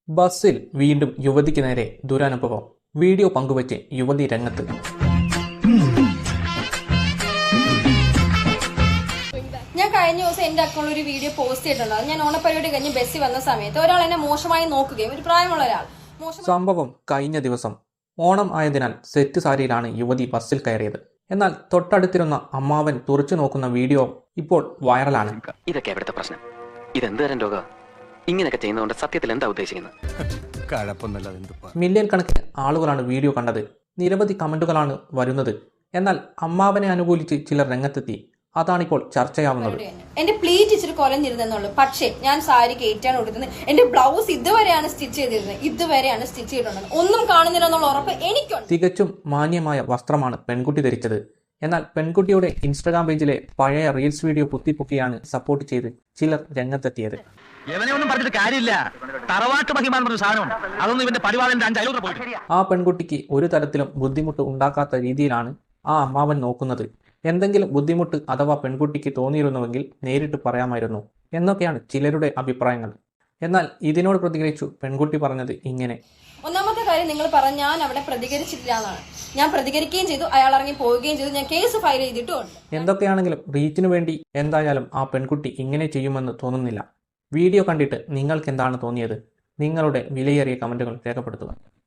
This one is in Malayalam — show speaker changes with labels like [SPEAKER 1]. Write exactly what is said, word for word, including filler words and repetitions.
[SPEAKER 1] ബസ്സിൽ വീണ്ടും യുവതിക്ക് നേരെ ദുരനുഭവം. വീഡിയോ പങ്കുവച്ച് യുവതി രംഗത്ത്.
[SPEAKER 2] ഞാൻ കഴിഞ്ഞ ദിവസം എന്റെ അക്കൗണ്ടിൽ ഒരു വീഡിയോ പോസ്റ്റ് ചെയ്തിട്ടുണ്ടായിരുന്നു. ഞാൻ ഓണപ്പരിപാടി കഴിഞ്ഞ് ബസ്സിൽ വന്ന സമയത്ത് ഒരാൾ എന്നെ മോശമായി നോക്കുകയും, ഒരു പ്രായമുള്ള ഒരാൾ.
[SPEAKER 1] സംഭവം കഴിഞ്ഞ ദിവസം ഓണം ആയതിനാൽ സെറ്റ് സാരിയിലാണ് യുവതി ബസ്സിൽ കയറിയത്. എന്നാൽ തൊട്ടടുത്തിരുന്ന അമ്മാവൻ തുറച്ചു നോക്കുന്ന വീഡിയോ ഇപ്പോൾ വൈറലാണ്.
[SPEAKER 3] ഇതൊക്കെ എവിടുത്തെ പ്രശ്നം? ഇതെന്ത് തരം രോഗം? ഇങ്ങനെയൊക്കെ ചെയ്യുന്നതുകൊണ്ട് സത്യത്തിൽ എന്താ ഉദ്ദേശിക്കുന്നത്?
[SPEAKER 1] മില്യൺ കണക്കിന് ആളുകളാണ് വീഡിയോ കണ്ടത്. നിരവധി കമന്റുകളാണ് വരുന്നത്. എന്നാൽ അമ്മാവനെ അനുകൂലിച്ച് ചിലർ രംഗത്തെത്തി. അതാണിപ്പോൾ ചർച്ചയാവുന്നത്.
[SPEAKER 2] എന്റെ പ്ലീറ്റ് ഇച്ചിരി കൊലഞ്ഞിരുന്നുള്ളൂ, പക്ഷേ ഞാൻ സാരി കയറ്റാൻ കൊടുക്കുന്നത്. എന്റെ ബ്ലൗസ് ഇതുവരെയാണ് സ്റ്റിച്ച് ചെയ്തിരുന്നത്, ഇതുവരെയാണ് സ്റ്റിച്ച് ചെയ്തിട്ടുള്ളത്. ഒന്നും കാണുന്നില്ല എന്നുള്ള ഉറപ്പ് എനിക്കുണ്ട്.
[SPEAKER 1] തികച്ചും മാന്യമായ വസ്ത്രമാണ് പെൺകുട്ടി ധരിച്ചത്. എന്നാൽ പെൺകുട്ടിയുടെ ഇൻസ്റ്റഗ്രാം പേജിലെ പഴയ റീൽസ് വീഡിയോ കുത്തിപ്പൊക്കിയാണ് സപ്പോർട്ട് ചെയ്ത് ചിലർ രംഗത്തെത്തിയത്. ആ പെൺകുട്ടിക്ക് ഒരു തരത്തിലും ബുദ്ധിമുട്ട് ഉണ്ടാക്കാത്ത രീതിയിലാണ് ആ അമ്മാവൻ നോക്കുന്നത്. എന്തെങ്കിലും ബുദ്ധിമുട്ട് അഥവാ പെൺകുട്ടിക്ക് തോന്നിയിരുന്നുവെങ്കിൽ നേരിട്ട് പറയാമായിരുന്നു എന്നൊക്കെയാണ് ചിലരുടെ അഭിപ്രായങ്ങൾ. എന്നാൽ ഇതിനോട് പ്രതികരിച്ചു പെൺകുട്ടി പറഞ്ഞത് ഇങ്ങനെ:
[SPEAKER 2] ഒന്നാമത്തെ കാര്യം, നിങ്ങൾ പറഞ്ഞ ഞാൻ അവിടെ പ്രതികരിച്ചിട്ടില്ല എന്നാണ്. ഞാൻ പ്രതികരിക്കുകയും ചെയ്തു, അയാൾ ഇറങ്ങി പോവുകയും ചെയ്തു. ഞാൻ കേസ് ഫയൽ ചെയ്തിട്ടുമുണ്ട്.
[SPEAKER 1] എന്തൊക്കെയാണെങ്കിലും റീച്ചിനു വേണ്ടി എന്തായാലും ആ പെൺകുട്ടി ഇങ്ങനെ ചെയ്യുമെന്ന് തോന്നുന്നില്ല. വീഡിയോ കണ്ടിട്ട് നിങ്ങൾക്ക് എന്താണ് തോന്നിയത്? നിങ്ങളുടെ വിലയേറിയ കമന്റുകൾ രേഖപ്പെടുത്തുക.